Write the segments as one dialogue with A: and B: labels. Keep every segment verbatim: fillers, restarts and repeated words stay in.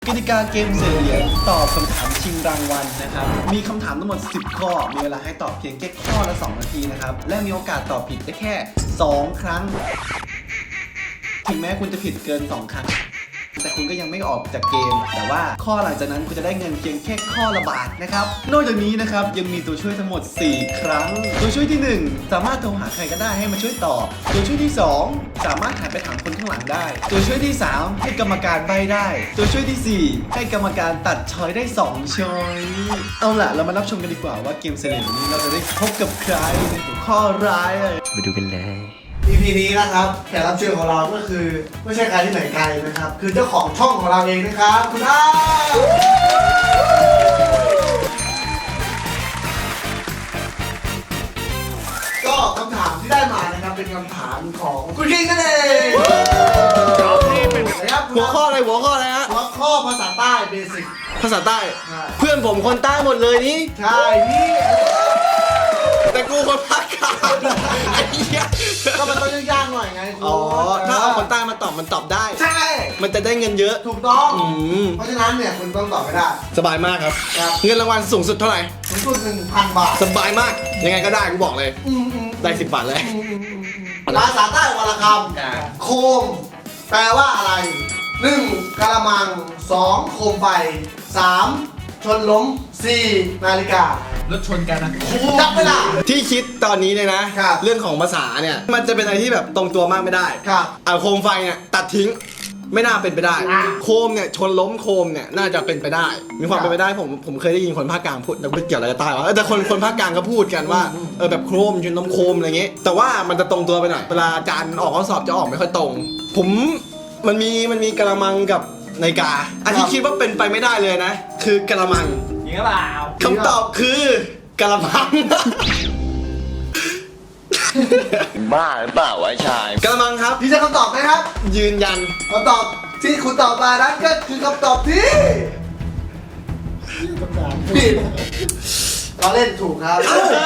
A: กติกาเกมเสียเหรียญตอบคำถามชิงรางวัลนะครับมีคำถามทั้งหมดสิบข้อมีเวลาให้ตอบเพียงแค่ข้อละสองนาทีนะครับและมีโอกาสตอบผิดได้แค่สองครั้งถึงแม้คุณจะผิดเกินสองครั้งแต่คุณก็ยังไม่ออกจากเกมแต่ว่าข้อหลังจากนั้นคุณจะได้เงินเพียงแค่ข้อละบาทนะครับนอกจากนี้นะครับยังมีตัวช่วยทั้งหมดสี่ครั้งตัวช่วยที่หนึ่งสามารถโทรหาใครก็ได้ให้มาช่วยตอบตัวช่วยที่สองสามารถหันไปถามคนข้างหลังได้ตัวช่วยที่สามให้กรรมการใบ้ได้ตัวช่วยที่สี่ให้กรรมการตัดช้อยได้สองช้อยเอาล่ะเรามารับชมกันดีกว่าว่าเกมเซเลบนี้เราจะได้พบกับใครในหัวข้อร้ายเลย
B: ไปดูกันเลย
C: อี พี นี้นะครับแขกรับเชิญของเราก็คือไม่ใช่ใครที่ไหนไกลนะครับคือเจ้าของช่องของเราเองนะครับคุณอ้าก็คำถามที่ได้มานะครับเป็นคำถามของคุณคิงกันเองนะครับ
A: หัวข้ออะไรหัวข้ออะไรฮะ
C: หัวข้อภาษาใต้เบสิก
A: ภาษาใต้
C: ใช่
A: เพื่อนผมคนใต้หมดเลยนี่
C: ใช่นี่
A: แต่กูคนภาคกลางไอ้เหี้ย
C: ก็มันต้องยากๆหน่อยไงคุณ
A: อ๋อถ้าเอาคนใต้มาตอบมันตอบได้
C: ใช่
A: มันจะได้เงินเยอะ
C: ถูกต้อง
A: อืม
C: เพราะฉะนั้นเนี่ยคุณต้องตอบไม่ได้
A: สบายมากครับ
C: ครับ
A: เงินรางวัลสูงสุดเท่าไหร่
C: สูงสุดหนึ่งพันบาท
A: สบายมาก ยังไงก็ได้กูบอกเลย
C: อืมอืม
A: ได้สิบบาทเลย
C: ภาษาใต้วรรณคำโคมแปลว่าอะไรหนึ่งกะละมังสองโคมไฟสามชนล้มสี่นาฬิการถชนกันนะจับเวลา
A: ที่คิดตอนนี้เลยนะ
C: ครับ
A: เรื่องของภาษาเนี่ย มันจะเป็นอะไรที่แบบตรงตัวมากไม่ได้
C: ครับ
A: อ่าโคมไฟเนี่ยตัดทิ้ง ไม่น่าเป็นไปได้
C: อ่ะ
A: โคมเนี่ยชนล้มโคมเนี่ยน่าจะเป็นไปได้ มีความ
C: ครับ
A: เป็นไปได้ผมผมเคยได้ยินคนภาคกลางพูดแต่ไม่เกี่ยวอะไรกับใต้วะเออแต่คนคนภาคกลางก็พูดกันว่า
C: อืม
A: เออแบบโคมชนล้มโคมอะไรเงี้ยแต่ว่ามันจะตรงตัวไปหน่อยเวลาอาจารย์ออกข้อสอบจะออกไม่ค่อยตรง ผมมันมีมันมีกะละมังกับนาฬิกาอันที่คิดว่าเป็นไปไม่ได้เลยนะ คือกะละมัง
B: จริงหรือเปล่า
A: คำตอบคือกะละมัง
B: บ้าหรือเปล่าวะชาย
A: กะละมังครับ
C: พี่จะคำตอบไหมครับ
A: ยืนยัน
C: คำตอบที่คุณตอบมานั้นก็คือคำตอบที่ผิดเราเล่นถูกครับ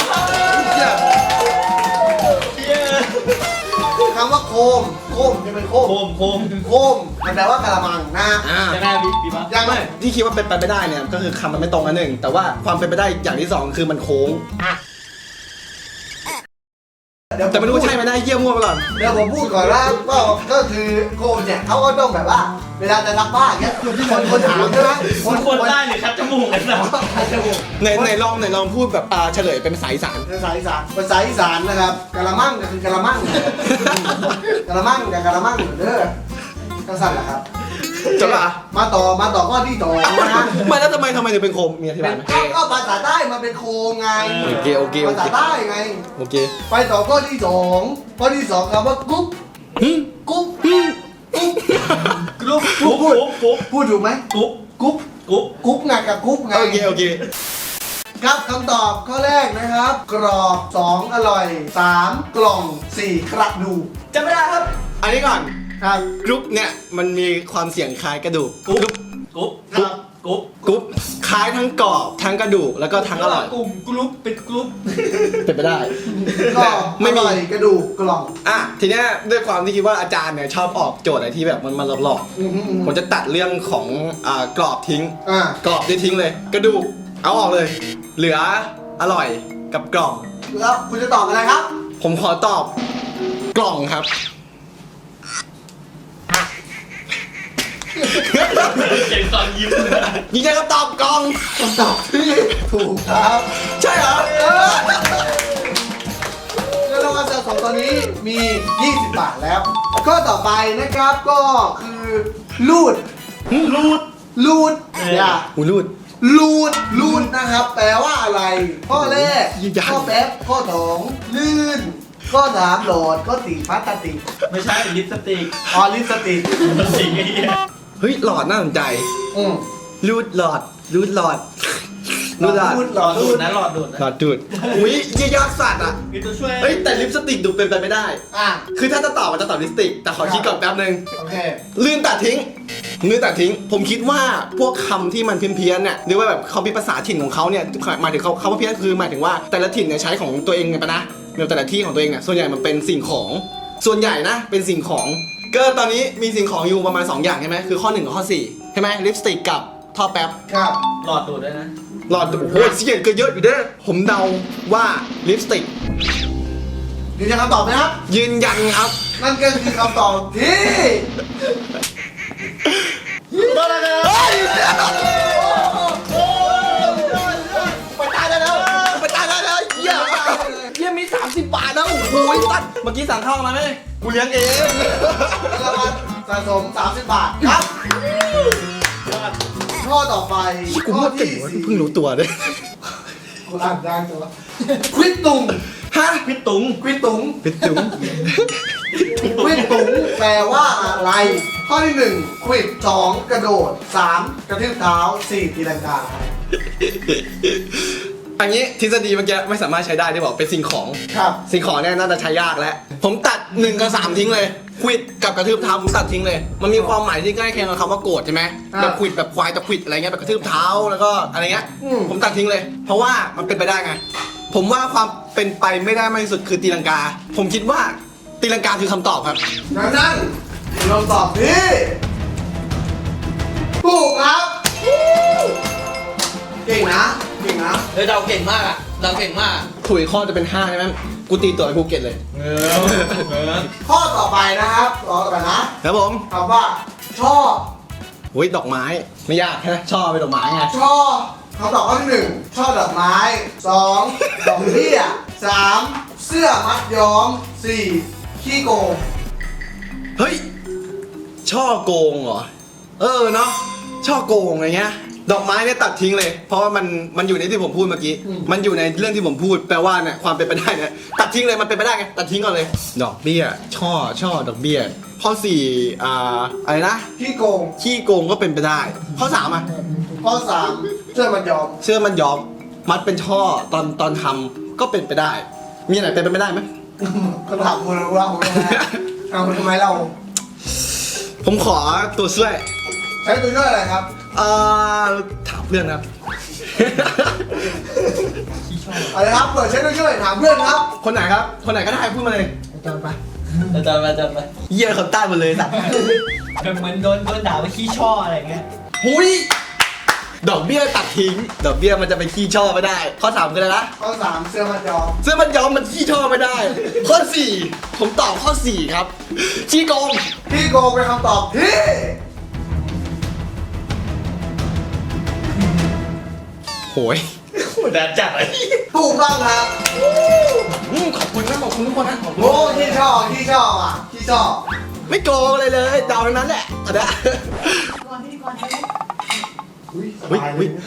C: คำว่าโคมโคมจะเป็นโคม
B: โคมโคม
C: โคมมันแปลว่ากะละมังนะ
A: อ่า
B: จะได้บีบีบ้า
C: ยังไม่
A: ที่คิดว่าเป็นไปไม่ได้เนี่ยก็คือคำมันไม่ตรงอันหนึ่งแต่ว่าความเป็นไปได้อย่างที่สองคือมันโค้ง
C: เดี๋ยว
A: แต่ไม่รู้ว่าใช่ไหมได้เยี่ยมมั่วไปก่อน
C: เดี๋ยวผมพูดก่อนว่าก็ก็คือโคมเนี่ยเขาก็ต้องแบบว่า เวลาจะรักบ้านเงี้ยคนคนถามใช่ไหม
B: คนคนใต้หรือคัดจมูกกันนะ
C: คัดจมูก
A: ไหนไหนลองไหนลองพูดแบบอ่าเฉลยเป็นภาษาอีสาน
C: ภาษาอีสานภาษาอีสานนะครับกะละมังก็คือกะละมังกะละมังกับกะละมังเด้อก็สั่นแหละครับ
A: จบละ
C: มาต่อมาต่อข้อที่สองนะ
A: ไม่แล้วทำไมทำไมถึงเป็นโคมมีอธิบายไหม
C: ก็ก็ภาษาใต้มันเป็นโคมไง
A: โอเคโอเคโอ
C: ภาษา
A: เค
C: ใต้ไง
A: โอเค
C: ไปต่อข้อที่สองข้อที่สองคำว่ากุ๊บ
A: หึ
C: กุ๊บ
A: หึ
C: กุ๊บ
B: กรุ๊ปกรุ๊ปกรุ๊ปกรุ๊ป
C: พูดถูกไหม
B: กรุ๊ป
C: กุ๊บ
B: กรุ๊ป
C: กุ๊บไงกับกุ๊บไง
A: โอเคโอเค
C: ครับคำตอบข้อแรกนะครับ กรอบสองอร่อยสามกล่องสี่กระดูก
B: จำไม่ได้ครับ
A: อันนี้ก่อน
C: ครับ
A: กรุ๊ปเนี่ยมันมีความเสียงคล้ายกระดูก
B: กรุ๊ปกรุ๊ป
C: ครับ
B: กรุ๊ป
A: กรุ๊ปคล้ายทั้งกรอบทั้งกระดูกแล้วก็ทั้งอร่อย
B: กลุ่มกรุ๊ปเป็นกรุ๊ป
A: เป็นไปได้
C: ก็
A: ไม่
C: อ
A: มี
C: ร่อยกระดูกกล่อง
A: อ่ะทีเนี้ยด้วยความที่คิดว่าอาจารย์เนี่ยชอบออกโจทย์อะไรที่แบบมันมันหลอก
C: อืมอืมอื
A: ๆ
C: ม
A: ผมจะตัดเรื่องของอ่ากรอบทิ้ง
C: อ่าก
A: รอบได้ทิ้งเลย กระดูกเอาออกเลย เหลืออร่อยกับกล่อง
C: แล้วคุณจะตอบอะไรครับ
A: ผมขอตอบกล่องครับ
B: เก่งตอนยิ้ม
A: ยิงใจคำตอบกล่อง
C: คำตอบที่ถูกครับ
A: ใช่เหรอ
C: เออเงินรางวัลสะสมตอนนี้มี ยี่สิบบาทแล้ว ข้อต่อไปนะครับก็คือลูด
A: รูด
C: ลูดอย่า
A: หูรูด
C: ลูดลูดนะครับ แปลว่าอะไร ข้อแรก
A: ยืนยัน
C: ข้อแป๊บข้อสองลื่น ข้อสามโหลดข้อสี่พลาสติก
B: ไม่ใช่ลิปสติก
C: ออลิปสติก
B: มันสิงไอ้เหี้ย
A: เฮ้ยหลอดน่าสนใจ
C: อืม
A: รูดหลอดรูดหลอดรูดหลอด
C: ลูด
B: หลอดดูดนะหลอดดูดนะ
A: หลอดดูดอุ้ยเยี่ยยอดสัตว์อ่ะ
B: มีตัวช่วย
A: เฮ้ยแต่ลิปสติกดูเป็นไปไม่ได้
C: อ่ะ
A: คือถ้าจะตอบมันจะตอบลิปสติก แต่ขอคิดก่อนแป๊บนึง
C: โอเค
A: ลื่นตัดทิ้งลื่นตัดทิ้ง ผมคิดว่าพวกคำที่มันเพี้ยนๆเนี่ยหรือว่าแบบเขามีภาษาถิ่นของเขาเนี่ยหมายถึงเขาเขาว่าเพี้ยนคือหมายถึงว่าแต่ละถิ่นเนี่ยใช้ของตัวเองไงปะนะในแต่ละที่ของตัวเองเนี่ยส่วนใหญ่มันเป็นสิ่งของส่วนใหญ่นะเป็นสิ่งของก็ตอนนี้มีสิ่งของอยู่ประมาณสองอย่างใช่ไหมคือข้อหนึ่งกับข้อสี่ใช่ไหมลิปสติกกับท่อแป๊บ
C: ครับ
B: หลอดดูดด้วยนะ
A: หลอดโอ้โหเสียงก็เยอะอยู่เด้อผมเดาว่าลิปสติก
C: ยืนยันคำตอบไหมครับ
A: ยืนยันครับ
C: นั่นก็คือคำตอบที่ได้แล้วครับ
A: เฮ้ยไปตายได้แล้วไปตายได้แล้วเยี่ยมเยี่ยมมีสามสิบบาทนะโอ้โหตัดเมื่อกี้สั่งข้าวมาไหมกูเลี้ยงเอง
C: รางวัลสะสม สามสิบบาทครับข้อต่อไป
A: กู
C: ข้อ
A: ว่าเก่ง
C: ที่
A: วะ
C: สี่
A: เพิ่งรู้ตัวเลย
C: กูอ่านยากจังวะควิดตุง
A: ฮะ
B: พี่ตุง
C: ควิดตุง
A: เป็นจุ๋ม
C: ควิดตุงแปลว่าอะไร ข้อที่หนึ่งควิดสองกระโดดสามกระทืบเท้าสี่ตีลังกา
A: อันนี้ทฤษฎีเมื่อกี้ไม่สามารถใช้ได้ที่บอกเป็นสิ่งของ
C: ครับ
A: สิ่งของเนี่ยน่าจะใช้ยากแล้ว ผมตัดหนึ่งกับสามทิ้งเลยควิดกับกระทืบเท้าผมตัดทิ้งเลย มันมีความหมายที่ใกล้เคียงกับคำว่าโกรธใช่ไหม
C: อ่า
A: แบบควิดแบบควายจะควิดอะไรเงี้ยแบบกระทืบเท้าแล้วก็อะไรเงี้ย
C: อืม
A: ผมตัดทิ้งเลย เพราะว่ามันเป็นไปได้ไง ผมว่าความเป็นไปไม่ได้มากที่สุดคือตีลังกา ผมคิดว่าตีลังกาคือคำตอบครับ
C: ดังนั้นเราตอบที่ถูกครับ เก่งนะ เก่งนะ
B: เฮ้ยเราเก่งมากอ่ะเราเก่งมาก
A: ถุยข้อจะเป็นห้าใช่ไหมกูตีตัวไอ้ภูเก็ตเลย
B: เออเออ
C: ข้อต่อไปนะครับต่อต่อไปนะครับ
A: ผม
C: คำว่าช่อ
A: โอ้ยดอกไม้ ไม่ยากใช่ไหมชอบเป็นดอกไม้ไง
C: ช่อคำตอบข้อที่หนึ่งช่อดอกไม้สองดอกเบี้ยสามเสื้อมัดย้อมสี่ขี้โกง
A: เฮ้ย ช่อโกงเหรอ เออเนาะ ช่อโกงอะไรเงี้ย ดอกไม้เนี่ยตัดทิ้งเลย เพราะว่ามันมันอยู่ในที่ผมพูดเมื่อกี้ มันอยู่ในเรื่องที่ผมพูด แปลว่าเนี่ยความเป็นไปได้เนี่ยตัดทิ้งเลย มันเป็นไปได้ไง ตัดทิ้งก่อนเลย ดอกเบี้ย ช่อ ช่อ ดอกเบี้ย ข้อสี่อ่า อะไรนะ
C: ขี้โกง
A: ขี้โกงก็เป็นไปได้ ข้อสามอ่ะ
C: ข้อสามเสื้อมัดย้อม
A: เสื้อมันย้อม มัดเป็นช่อ ตอนตอนทำก็เป็นไปได้ มีอะไรเป็นไปไม่ได้ไหม
C: คำถามคุณเราเราเอาทำไมเรา
A: ผมขอตัวช่วย
C: ใช้ตัวช่วยอะไรครับ
A: เอ่อ ถามเพื่อนครับ
C: อะไรครับเปิดใช้ตัวช่วยถามเพื่อนครับ
A: คนไหนครับ คนไหนก็ได้พูดมาเลย
C: จำไป
B: อาจารย์อาจารย์ไป
A: เยี่ยคนใต้หมดเลยสัตว์
B: แบบเหมือนโดนโดนด่าว่าขี้ช่ออะไรเงี้ย
A: หุยดอกเบี้ยตัดทิ้ง ดอกเบี้ยมันจะไปขี้ช่อไม่ได้ ข้อสามคืออะไรนะ
C: ข้อสามเสื้อมัดย้อม
A: เสื้อมันย้อมมันขี้ช่อไม่ได้ ข้อสี่ผมตอบข้อสี่ครับขี้โกง
C: ขี้โกงเป็นคำตอบที่
A: โหย
B: โหด่าจัดเลย
C: ถูกต้องครับ
A: อืมขอบคุณนะขอบคุณทุกคนนะขอบคุณ
C: โอ้ที่ชอบที่ชอบอ่ะที่ชอบ
A: ไม่โกงเลยเลยเดาทั้งนั้นแหละเอาเด้อ
C: อุ้ยส
A: อุ้ย
C: บายเล
A: อุ้
C: ย
A: ย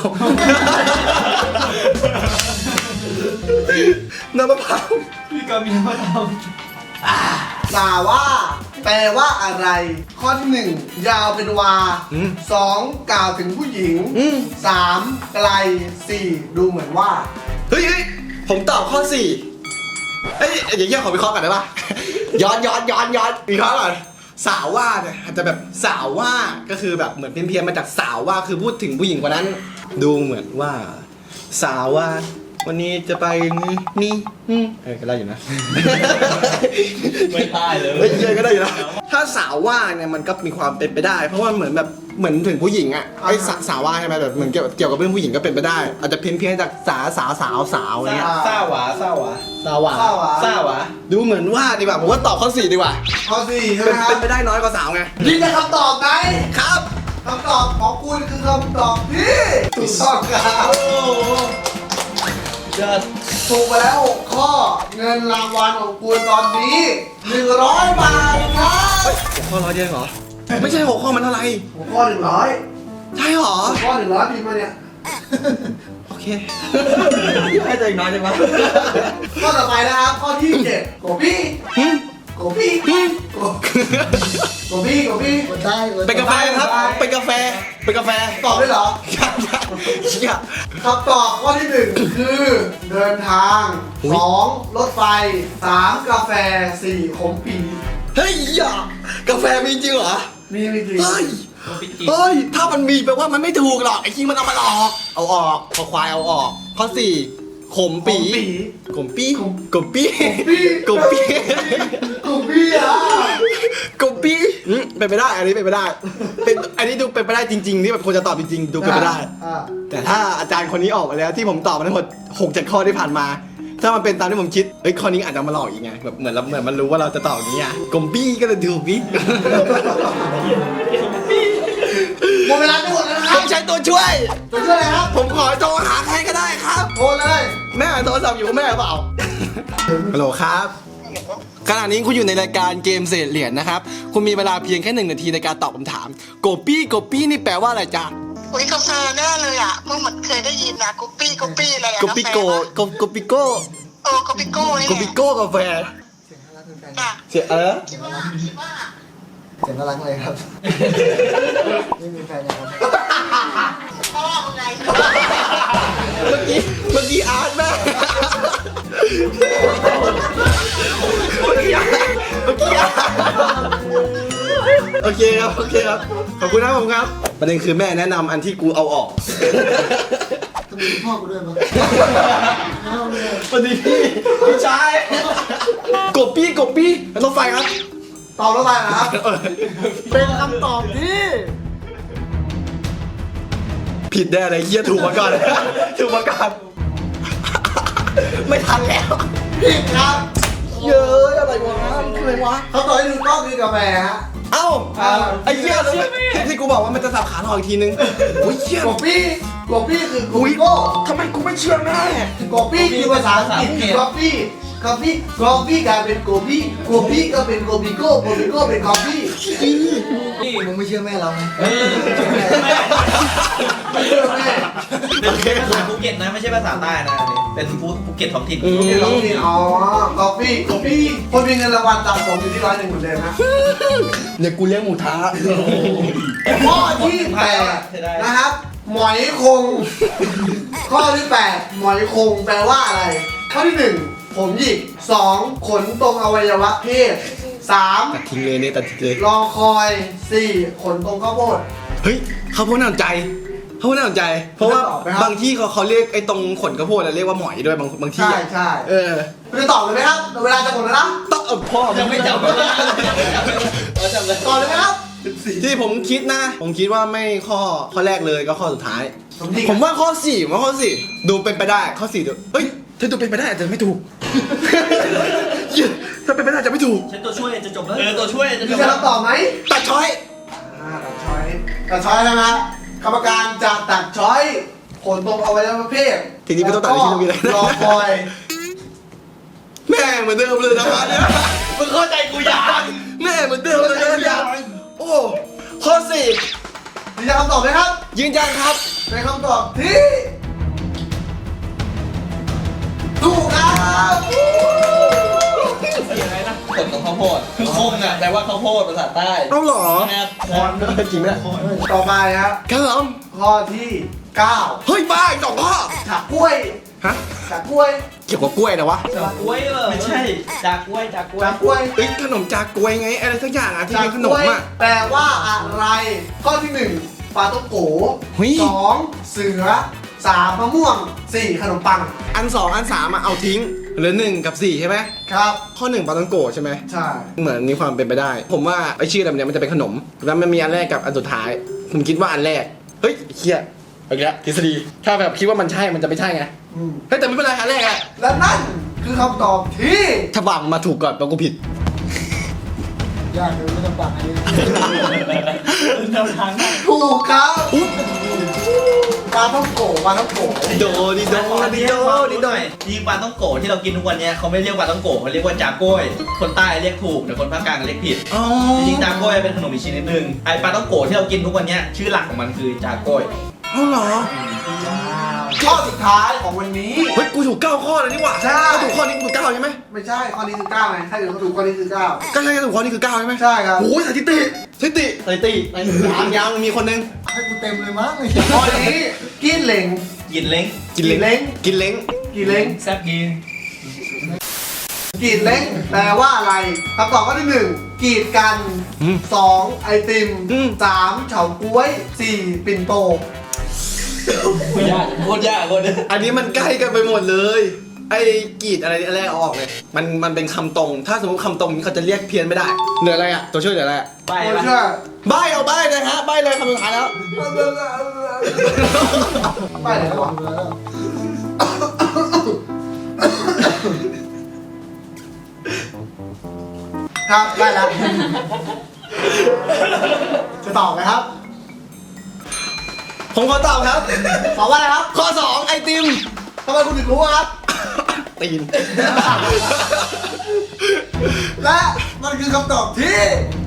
A: น้ำมะพร้าว
B: พี่ก็มีมาท
C: สาว่า แปลว่าอะไร ข้อที่หนึ่งยาวเป็นวา
A: อืม
C: สองกล่าวถึงผู้หญิง
A: อืม
C: สามไกลสี่ดูเหมือนว่า
A: เฮ้ยเฮ้ยผมตอบข้อสี่เอ้ยเดี๋ยวเยี่ยขอวิเคราะห์ก่อนได้ปะ ย้อนย้อนย้อนย้อนวิเคราะห์ก่อนสาวว่าเนี่ยอาจจะแบบสาวว่าก็คือแบบเหมือนเพี้ยนๆมาจากสาวว่าคือพูดถึงผู้หญิงคนนั้น ดูเหมือนว่า สาวว่า วันนี้จะไปนี่นี่อืมเออก็ได้อยู่นะ
B: ำไม่ได้เลย
A: เฮ้ยเยอะก็ได้อยู่นะถ้าสาวว่าเนี่ยมันก็มีความเป็นไปได้ เพราะว่าเหมือนแบบเหมือนถึงผู้หญิงอ่ะไอ้สาสาวว่าใช่ไหมแบบเหมือนเกี่ยวเกี่ยวกับเรื่องผู้หญิงก็เป็นไปได้ อาจจะเพี้ยนเพี้ยนๆจากสาสาวสาวสาวอะไรเงี้ย
B: ซ่าหวาซ่าหวา
A: สาวว่า
C: สาวา
B: ซ่าหวา
A: ดูเหมือนว่าดีกว่าผมว่าตอบข้อสี่ดีกว่า
C: ข้อสี่ใช่ไหม
A: เป็น
C: ครับ
A: เป็นไปได้น้อยกว่าสาวไง
C: นี่จะคำตอบไหม
A: ครับ
C: คำตอบของคุณคือคำตอบที่ถูกต้องครับ
B: โอ้โหยอด
C: ถูกไปแล้วหกข้อ เงินรางวัลของคุณตอนนี้หนึ่งร้อยบาทครับ
A: เฮ้ยหัวข้อร้อยเดียวเหรอไม่ใช่หัวข้อมันเท่าไหร่
C: หัวข้อหนึ่งร้อย
A: ใช่เหรอ
C: หัวข้อหนึ่งร้อยพิมพ์มาเนี่ย
A: โอเค ให้ตัวเองน้อยจังวะ
C: ข้อต่อไปนะครับ ข้อที่เจ็ดโกบี้
A: หึ
C: โกบี้
A: หึ
C: โกโกบี้โกบี้กดได้
A: เป็นกาแฟครับเป็นกาแฟเป็นกาแฟ
C: ตอบได้เหรอ
A: ยังยังเชี่ย
C: คำตอบข้อที่หนึ่งคือเดินทาง
A: อุ๊ย
C: สองรถไฟสามกาแฟสี่ขมปี
A: เฮ้ยอย่ากาแฟมีจริงเหรอ
C: มีมีจริง
A: เฮ้ย
B: โอ้ปิจิ
A: เฮ้ย ถ้ามันมีแปลว่ามันไม่ถูกหรอก ไอ้คิงมันเอามาหลอก เอาออกพอควายเอาออก ข้อสี่ขมปี ขมปี
C: ขม
A: กบปี
C: ปี
A: กบปี
C: ขมปีอ่ะ
D: กบปี้อืมเป็นไปได้อันนี้เป็นไปได้เป็นอันนี้ดูเป็นไปได้จริงๆที่แบบควรจะตอบจริงๆดูเป็นไปได้
C: อ่า
D: แต่ถ้าอาจารย์คนนี้ออกมาแล้วที่ผมตอบมาทั้งหมดหกเจ็ดข้อที่ผ่านมา ถ้ามันเป็นตามที่ผมคิดเฮ้ยข้อนี้อาจจะมาหลอกอีกไงแบบเหมือนเราเหมือนมันรู้ว่าเราจะตอบอย่างนี้อ่ะกบปี้ก็เลยถูกพี่
C: หมดเวลาจะหมดแล้วนะค
D: ผ
C: รับ
D: มใช้ตัวช่วย
C: ตัวช่วยอะไรครับ
D: ผมขอโทรหาใครก็ได้ครับ
C: โทรเลย
D: แม่โทรศัพท์อยู่กับแม่เปล่า ฮัลโหลครับขณะนี้คุณอยู่ในรายการเกมเศษเหรียญนะครับ คุณมีเวลาเพียงแค่หนึ่งนาทีในการตอบคำถามโกปี้โกปี้นี่แปลว่าอะไรจ๊ะ
E: อุ้ยกาแฟแน่เลยอ่ะเมื่อเหมือนเคยได้ยินนะกุปปี้กุปปี้อะไรอะ
D: โกปิโกโกโกปิโก้
E: โอ้กุปปี้โก้นี่
D: โกปิโก้กาแฟ
E: จ้ะ
D: เสียเออ
E: คิดว่าคิดว่า
C: เสียงน่ารักเลยครับ ไม่มีแฟนยังครับ
E: พ่อไง
D: เมื่อกี้เมื่อกี้อาร์ตแม่เมื่อกี้อาร์ตเมื่อกี้อาร์ตโอเคครับโอเคครับขอบคุณครับผมครับประเด็นคือแม่แนะนำอันที่กูเอาออก
C: ต้องมีพ่อกูด้วยมั้ย
D: สวัสดีพี่พี่ชายกบปี้กบปี้รถไฟครับ
C: ตอบแล้วไปนะครับ เป็นคำตอบที่
D: ผิดแน่เลยเฮียถูกมาก่อน ถูกมาก่อนไม่ทันแล้ว
C: ผิดครับ
D: เย้ยอะไรวะมันคืออะไรวะ
C: เขาตอบให้ถูกต้องคือกาแฟฮะ
D: เอ้าไอ้เหี้ยแล้วที่ที่กูบอกว่ามันจะสับขาหลอกอีกทีนึงโอ้ยเหี้ย
C: โกปี้โกปี้คือโก
D: อุ้ย
C: ปิโก้
D: ทำไมกูไม่เชื่อแม่
C: โกปี้คือภาษาอังกฤษคือกาแฟกาแฟกาแฟกลายเป็นโกปี้โกปี้ก็เป็นโกปิโก้โกปิโก้เป็นกาแฟนี่มึงไม่เชื่อแม่เราไง
B: เออ
C: ไม่เชื่อแม่
B: เป็นภาษาภูเก็ตนะไม่ใช่ภาษาใต้นะอันนี้เป็นภูเก็ตท้องถิ่น
C: นี่เราพี่อ๋อกาแฟกาแฟคนมีเงินรางวัลสะสมอยู่ที่ร้อยหนึ่งเหมือนเดิมนะ
D: เนี่ยกูเลี้ยงหมูท้า
C: ข้อที่แปดนะครับ หมอยคง ข้อที่แปดหมอยคงแปลว่าอะไร ข้อที่หนึ่งผมหยิกสองขนตรงอวัยวะเพศสาม
D: ตัดทิ้งเลยเนี่ยตัดทิ้งเลย
C: รอคอยสี่ขนตรงข้าวโพด
D: เฮ้ยเขาพูดน่าสนใจเขาพูดน่าสนใจ เพราะว่า
C: จะตอบไหมครับ
D: บางที่เขาเขาเรียกไอ้ตรงขนกระโพดอะเรียกว่าหมอยด้วยบางบางที่
C: ใช่
D: อะ
C: ใช่
D: เออ
C: คุณจะตอบเลยไหมครับ เวลาจะหมดแล้วนะ
D: ต้องเอาพ่อ
B: ยังไม่จำเลยยังไม่จำเลยเออจำเลย
C: ตอบเลยไหมครับ
D: ที่ผมคิดนะ ผมคิดว่าไม่ข้อข้อแรกเลยก็ข้อสุดท้าย
C: ผมหยิก
D: ผมว่าข้อสี่ผมว่าข้อสี่ดูเป็นไปได้ข้อสี่ดูเฮ้ยถ้าดูเป็นไปได้อาจจะไม่ถูก เหี้ยถ้าเป็นไปได้อาจจะไม่ถูก
B: ใช้ตัวช่วยจะจบแล้วเออตัวช่วยจะจ
C: มี
B: บ
C: ใคร
B: แล้ว
C: รับตอบไหม
D: ตัดช้อย
C: อ่าตัดช้อยตัดช้อยแล้วนะกรรมการจะตัดช้อยขนตรงอวัยวะเพศ
D: ทีนี้ไม่ต้องตัดที่ตรงนี้เลย
C: รอคอย
D: แม่เหมือนเดิมเลยนะครับเนี่ย
B: มึงเข้าใจกูยัง
D: แม่เหมือนเดิมเลยนะโอ้ข้อสี่
C: ยืนยันคำตอบไหมครับ
D: ยืนยันครับ
C: เป็นคำตอบที่ถูกครับ
B: ขนของข้าวโพดคือคงอ่ะแปลว่าข้าวโพดภาษาใต้
D: เอาเหรอ
B: นะครับ
D: คอนด้วยจริงไหม
C: ต่อไปครับ
D: ครับผม
C: ข้อที่เก้า
D: เฮ้ยบ้าอีกสองข้อ
C: ฉากกล้วย
D: ฮะ
C: ฉากกล้วย
D: เกี่ยวกับกล้วยนะวะ
B: จากกล้วยเหรอไม่ใช่จากกล้วยจากกล้วย
C: ฉากกล้วย
D: เอ้ยขนมจากกล้วยไงอะไรสักอย่างอ่ะที่
C: ฉาก
D: เป็นข
C: ก
D: น
C: ล้
D: ม
C: วย
D: อ่ะ
C: แปลว่าอะไร ข้อที่หนึ่งปลาต้มโก
D: เฮ้ย
C: สองเสือสามมะม่วงสี่ขนมปัง
D: อันสองอันสามอ่ะเอาทิ้งเหลือหนึ่งกับสี่ใช่ไหม
C: ครับ
D: ข้อหนึ่งปาตังโกะใช่ไหม
C: ใช่
D: เหมือนมีความเป็นไปได้ ผมว่าไอชื่ออะไรเนี่ยมันจะเป็นขนม แล้วมันมีอันแรกกับอันสุดท้าย ผมคิดว่าอันแรก เฮ้ยเฮียเอาอีกแล้วทฤษฎี ถ้าแบบคิดว่ามันใช่ มันจะไม่ใช่ไง
C: อืม
D: เฮ้ยแต่ไม่เป็นไรอันแรกอะ
C: และนั่นคือคำตอบที่
D: ถ้าบังมาถูกก่อนแปลว่ากูผิด
C: ยากเลยไม่ต้องปังอันนี้
B: แนวทางได้
C: ถูกครับ
D: อุ๊บ
C: ปลาท่องโกปลาท่องโก
D: โดดิโดดิโดดิโด
B: จริงปลาต้องโกะที่เรากินทุกวันเนี้ยเขาไม่เรียกปลาต้องโกะเขาเรียกว่าจากล้วย คนใต้เรียกถูกแต่คนภาคกลางเรียกผิด
D: อ๋อ
B: จริงๆจากล้วยเป็นขนมอีกชนิดหนึ่งไอปลาต้องโกะที่เรากินทุกวันเนี้ยชื่อหลักของมันคือจากล้วย
D: เอาเหรอ
C: ข้อสุดท้ายของวันนี้
D: เฮ้ยกูถูกเก้าข้อเลยนี่หว่า
C: ใช่
D: ถ้าถูกข้อนี้กูถูกเก้าใช่ไหม
C: ไม่ใช่ข้อนี้คือเก้าไงถ้าเกิดเขาถูกข้อนี้คือเก้า
D: ก็ใช่ไงถูกข้อนี้คือเก้าใช่ไหม
C: ใช่ครับ
D: โอ้ยสถิติสถิติสถิติยังยังมีคนนึง
C: ให้กูเต็มเลยมั้งข้อนี้กินเหล่ง
B: กินเล้ง
D: กินเล้ง
C: เล้ง
D: กินเล้ง
C: กินเหล่ง
B: แซ่บกิน
C: กรีดเล้งแปลว่าอะไรคำตอบข้อที่หนึ่งกรีดกัน
D: อืม
C: สองไอติม
D: อืม
C: สามเฉาก๊วยสี่ปิ่นโต
B: ยากโคตรยากคนนึง
D: อันนี้มันใกล้กันไปหมดเลยไอ้กรีดอะไรอะไรเอาออกเลยมันมันเป็นคำตรง ถ้าสมมติคำตรงนี้เขาจะเรียกเพี้ยนไม่ได้เหลืออะไรอ่ะตัวช่วยเหลืออะไรอ่ะ
B: ไป
C: โอ้
B: ปะ
C: เชื่อ
D: ใบเอาใบเลยฮะใบเลยคำสุดท้ายแล้ว
C: ไปไหนวะครับได้แล้วจะตอบไหมครับ
D: ผมขอตอบครับ
C: ตอบว่าอะไรครับ
D: ข้อสองไอติม
C: ทำไมคุณถึงรู้ครับ
D: ตีน
C: และมันคือคำตอบที่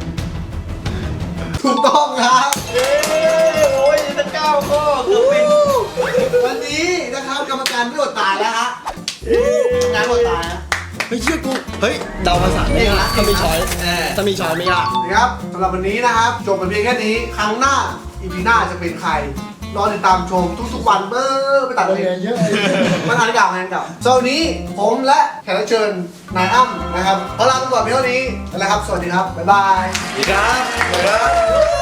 C: ถูกต้องครับ
B: เย้โอ้ยตั้งเก้าข้อเกือบเป็น
C: วันนี้นะครับกรรมการไม่อดตายแล้วฮะงานไม่อดตายนะ
D: เฮ้ยเชื่อกูเฮ้ยเดาภาษาไม่ยากถ้ามีช้อย
B: เออ
D: ถ้ามีช้อยไม่ยาก
C: นะครับสำหรับวันนี้นะครับจบไปเพียงแค่นี้ครั้งหน้าอีพีหน้าจะเป็นใครรอติดตามชมทุกๆวันเบอร์ไปตัดเลยเยอะมันอ่านเก่างานเก่าสำหรับวันนี้ผมและแขกรับเชิญนายอ้ำนะครับขอลาไปก่อนเพียงเท่านี้นะครับ สวัสดีครับ บ๊ายบาย
D: ดีครับ